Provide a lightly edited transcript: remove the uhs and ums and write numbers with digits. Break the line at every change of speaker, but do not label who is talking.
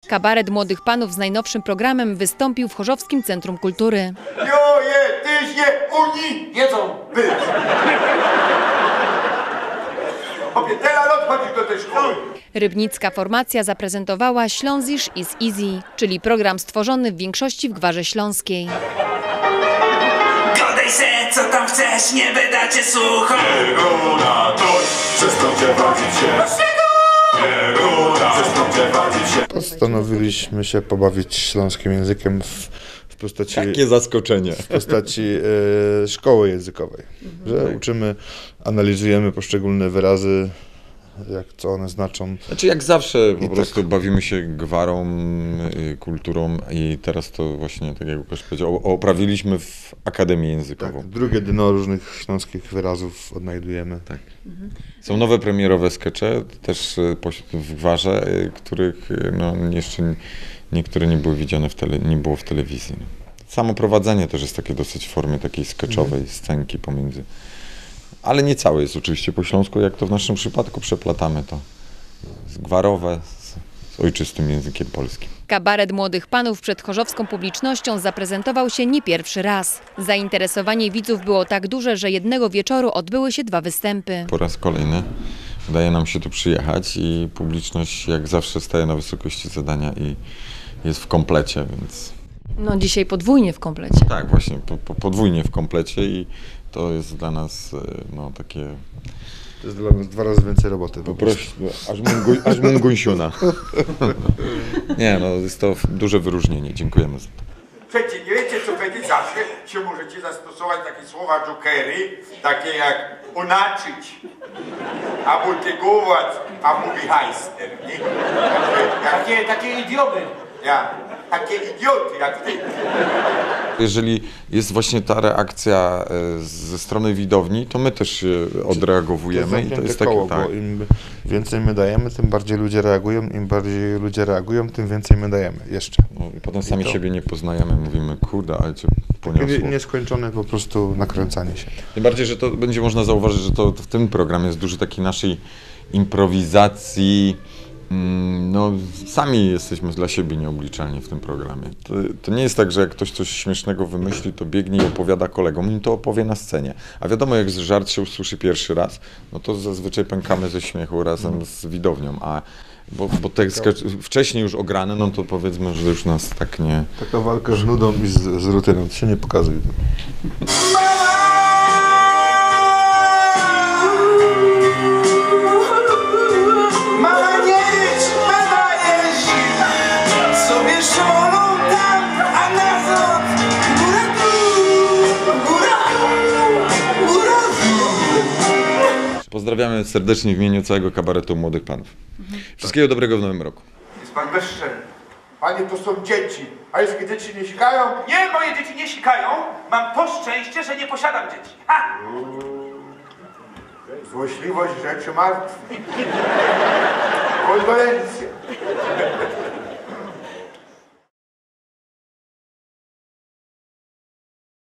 Kabaret młodych panów z najnowszym programem wystąpił w Chorzowskim Centrum Kultury.
Tyś Unii wiedzą wy. Teraz odchodzisz do tej szkoły.
Rybnicka formacja zaprezentowała Ślązisz is Easy, czyli program stworzony w większości w Gwarze Śląskiej.
Godaj se, co tam chcesz, nie wyda cię sucho.
Pieruna, toś, przestąpcie bawić się. Pieruna, przestąpcie bawić się.
Postanowiliśmy się pobawić śląskim językiem w postaci...
Jakie zaskoczenie.
W postaci szkoły językowej, że uczymy, analizujemy poszczególne wyrazy, co one znaczą.
Znaczy jak zawsze po prostu bawimy się gwarą, kulturą i teraz to właśnie, tak jak Łukasz powiedział, oprawiliśmy w Akademię Językową.
Tak, drugie dno różnych śląskich wyrazów odnajdujemy.
Tak. Są nowe premierowe skecze, też w gwarze, których no, jeszcze niektóre nie były widziane nie było w telewizji. Samo prowadzenie też jest takie dosyć w formie takiej skeczowej scenki pomiędzy. Ale nie całe jest oczywiście po śląsku, jak to w naszym przypadku przeplatamy to gwarowe z ojczystym językiem polskim.
Kabaret młodych panów przed chorzowską publicznością zaprezentował się nie pierwszy raz. Zainteresowanie widzów było tak duże, że jednego wieczoru odbyły się 2 występy.
Po raz kolejny udaje nam się tu przyjechać i publiczność jak zawsze staje na wysokości zadania i jest w komplecie, więc...
No dzisiaj podwójnie w komplecie.
Tak, właśnie, podwójnie w komplecie i to jest dla nas no takie...
To jest dla nas 2 razy więcej roboty.
Po prostu, aż mungunsiuna. Nie, no jest to duże wyróżnienie, dziękujemy za to.
Przecież nie wiecie, co będzie zawsze się możecie zastosować takie słowa jokery, takie jak unaczyć, abultygować, a mówi hajster, nie? Takie idioty. Takie idioty jak ty.
Jeżeli jest właśnie ta reakcja ze strony widowni, to my też się odreagowujemy i to jest takie,
koło,
tak.
Bo im więcej my dajemy, tym bardziej ludzie reagują, im bardziej ludzie reagują, tym więcej my dajemy jeszcze.
No, i potem sami siebie nie poznajemy, mówimy, kurde, ale cię poniosło.
Nieskończone po prostu nakręcanie się.
Tym bardziej, że to będzie można zauważyć, że to w tym programie jest dużo takiej naszej improwizacji. No, sami jesteśmy dla siebie nieobliczalni w tym programie. To nie jest tak, że jak ktoś coś śmiesznego wymyśli, to biegnie i opowiada kolegom, im to opowie na scenie. A wiadomo, jak żart się usłyszy pierwszy raz, no to zazwyczaj pękamy ze śmiechu razem z widownią, bo te wcześniej już ograne, no to powiedzmy, że już nas tak nie...
Taka walka z nudą i z rutyną, to się nie pokazuje.
Pozdrawiamy serdecznie w imieniu całego kabaretu Młodych Panów. Wszystkiego dobrego w nowym roku.
Jest pan bezczelny. Panie, to są dzieci. A pańskie dzieci nie sikają?
Nie, moje dzieci nie sikają. Mam to szczęście, że nie posiadam dzieci. Ha!
Złośliwość rzeczy martwych. Kondolencje.